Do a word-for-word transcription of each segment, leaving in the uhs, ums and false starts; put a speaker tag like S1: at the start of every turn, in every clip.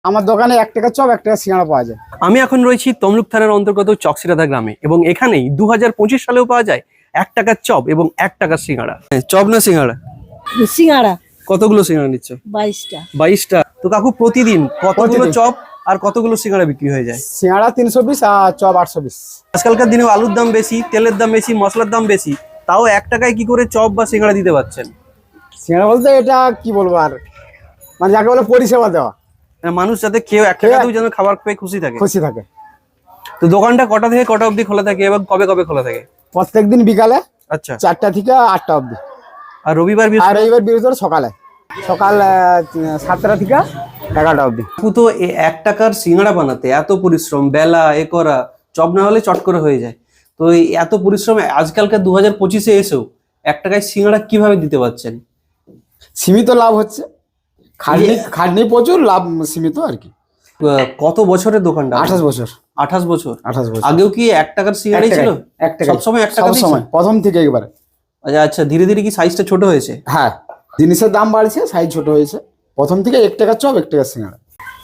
S1: আমার দোকানে এক টাকা চপ এক টাকা সিঙ্গাড়া পাওয়া যায়।
S2: আমি এখন রয়েছি তমলুক থানার অন্তর্গত চকসিরাধা গ্রামে এবং এখানেই দু হাজার পঁচিশ সালেও পাওয়া যায় এক টাকার চপ এবং এক টাকার সিঙ্গাড়া। চপ না সিঙ্গাড়া?
S3: সিঙ্গাড়া।
S2: কতগুলো সিঙ্গাড়া নিচ্ছ?
S3: বাইশটা।
S2: বাইশটা। তো কাকু প্রতিদিন কতগুলো চপ আর কতগুলো সিঙ্গাড়া বিক্রি হয়ে যায়?
S1: সিঙ্গাড়া তিনশো বিশ আর চপ আটশো বিশ।
S2: আজকালকার দিনেও আলুর দাম বেশি, তেলের দাম বেশি, মশলার দাম বেশি, তাও এক টাকায় কি করে চপ বা সিঙ্গাড়া দিতে পারছেন?
S1: সিঙ্গাড়া বলতে এটা কি বলবো আর, মানে যাকে বলে পরিষেবা দেওয়া,
S2: মানুষ যাতে খেয়ে এক টাকাতেও যেন খাবার পেয়ে খুশি থাকে।
S1: খুশি থাকে।
S2: তো দোকানটা কটা থেকে কটা অবধি খোলা থাকে এবং কবে কবে খোলা থাকে?
S1: প্রত্যেকদিন বিকালে
S2: আচ্ছা,
S1: চারটা থেকে আটটা অবধি।
S2: আর রবিবার
S1: আর রবিবার বৃহস্পতিবার সকালে সকাল সাতটা থেকে এগারোটা অবধি।
S2: তো এই এক টাকার সিঙ্গাড়া বানাতে এত পরিশ্রম, বেলা এ করা, চপ না হলে চট করে হয়ে যায়। তো এই এত পরিশ্রম আজকালকার দু হাজার পঁচিশে এসেও এক টাকায় সিঙ্গাড়া কিভাবে দিতে পারছেন?
S1: সীমিত লাভ হচ্ছে, খাটনি খাটনি প্রচুর, লাভ সীমিত আর কি।
S2: কত বছরের দোকানটা?
S1: আঠাশ বছর।
S2: আঠাশ বছর।
S1: আঠাশ বছর।
S2: আগেও কি এক টাকার সিঙ্গাড়াই ছিল?
S1: এক টাকা
S2: সবসময় এক টাকা
S1: সময় প্রথম থেকে একবারে।
S2: আচ্ছা আচ্ছা, ধীরে ধীরে কি সাইজটা ছোট হয়েছে?
S1: হ্যাঁ, জিনিসের দাম বাড়ছে, সাইজ ছোট হয়েছে। প্রথম থেকে এক টাকা চপ এক টাকা সিঙ্গাড়া।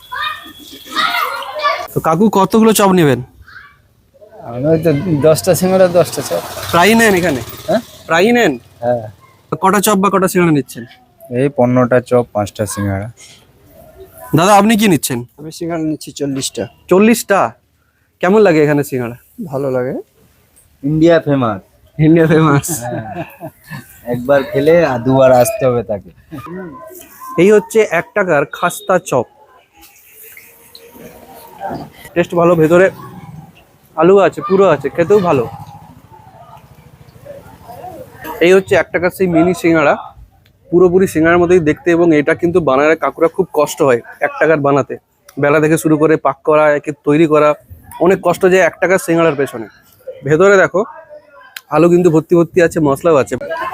S2: তো কাকু কতগুলো চপ নেবেন?
S4: আমি তো দশটা সিঙ্গাড়া দশটা চপ।
S2: প্রায় নেন এখানে?
S4: হ্যাঁ
S2: প্রায় নেন।
S4: হ্যাঁ।
S2: কটা চপ বা কটা সিঙ্গাড়া নিচ্ছেন?
S4: এই পনেরোটা চপ পাঁচটা সিঙ্গাড়া।
S2: দাদা আপনি কি নিচ্ছেন?
S4: আমি সিঙ্গাড়া নিচ্ছি চল্লিশটা।
S2: চল্লিশটা? কেমন লাগে এখানে সিঙ্গাড়া?
S4: ভালো লাগে। India famous.
S2: India famous.
S4: একবার খেলে আর দুবার আসতে হবে তাকে।
S2: এই হচ্ছে এক টাকার খাস্তা চপ। টেস্ট ভালো, ভেতরে আলু আছে, পুরো আছে, খেতেও ভালো। এই হচ্ছে এক টাকার সেই মিনি সিঙ্গাড়া, পুরোপুরি সিঙ্গাড়ার মতোই দেখতে। এবং এটা কিন্তু বানালে কাকুরা খুব কষ্ট হয় এক টাকার বানাতে। বেলা থেকে শুরু করে পাক করা, একে তৈরি করা, অনেক কষ্ট যায় এক টাকার সিঙ্গাড়ার পেছনে। ভেতরে দেখো আলু কিন্তু ভর্তি ভর্তি আছে, মশলাও আছে,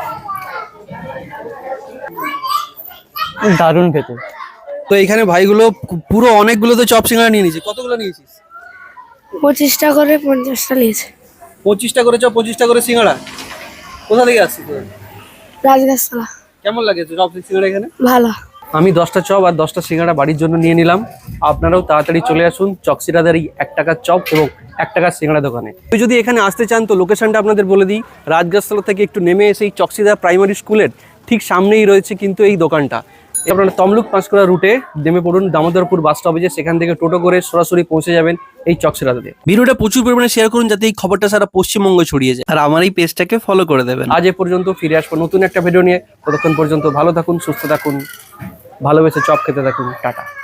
S3: দারুণ ভেতর।
S2: তো এখানে ভাইগুলো পুরো অনেকগুলো তো চপ সিঙ্গাড়া নিয়ে নিয়েছে। কতগুলো নিয়েছিস?
S5: পঁচিশটা করে পঞ্চাশটা নিয়েছে।
S2: পঁচিশটা করে চপ, পঁচিশটা করে সিঙ্গাড়া। কোথা থেকে আসছিস?
S5: রাজগাছতলা।
S2: কেমন লাগে চপ সিঙ্গাড়া এখানে?
S5: ভালো।
S2: আমি দশটা চপ আর দশটা সিঙ্গাড়া বাড়ির জন্য নিয়ে নিলাম। আপনারাও তাড়াতাড়ি চলে আসুন চকসিরাধার এই এক টাকার চপ এবং এক টাকার সিঙ্গাড়া দোকানে। তো যদি এখানে আসতে চান তো লোকেশনটা আপনাদের বলে দিই। রাজগাছতলা থেকে একটু নেমে এসে এই চকসিরাধা প্রাইমারি স্কুলের ঠিক সামনেই রয়েছে কিন্তু এই দোকানটা। আপনারা তমলুক পাঁশকুড়া রুটে নেমে পড়ুন দামোদরপুর বাস স্টপেজে, সেখান থেকে টোটো করে সরাসরি পৌঁছে যাবেন এই চকসিরাধাতে। ভিডিওটা প্রচুর পরিমাণে শেয়ার করুন যাতে এই খবরটা সারা পশ্চিমবঙ্গ ছড়িয়ে যায়, আর আমার এই পেজটাকে ফলো করে দেবেন। আজ এ পর্যন্ত, ফিরে আসবো নতুন একটা ভিডিও নিয়ে। ততক্ষণ পর্যন্ত ভালো থাকুন, সুস্থ থাকুন, ভালোবেসে চপ খেতে থাকুন। টাটা।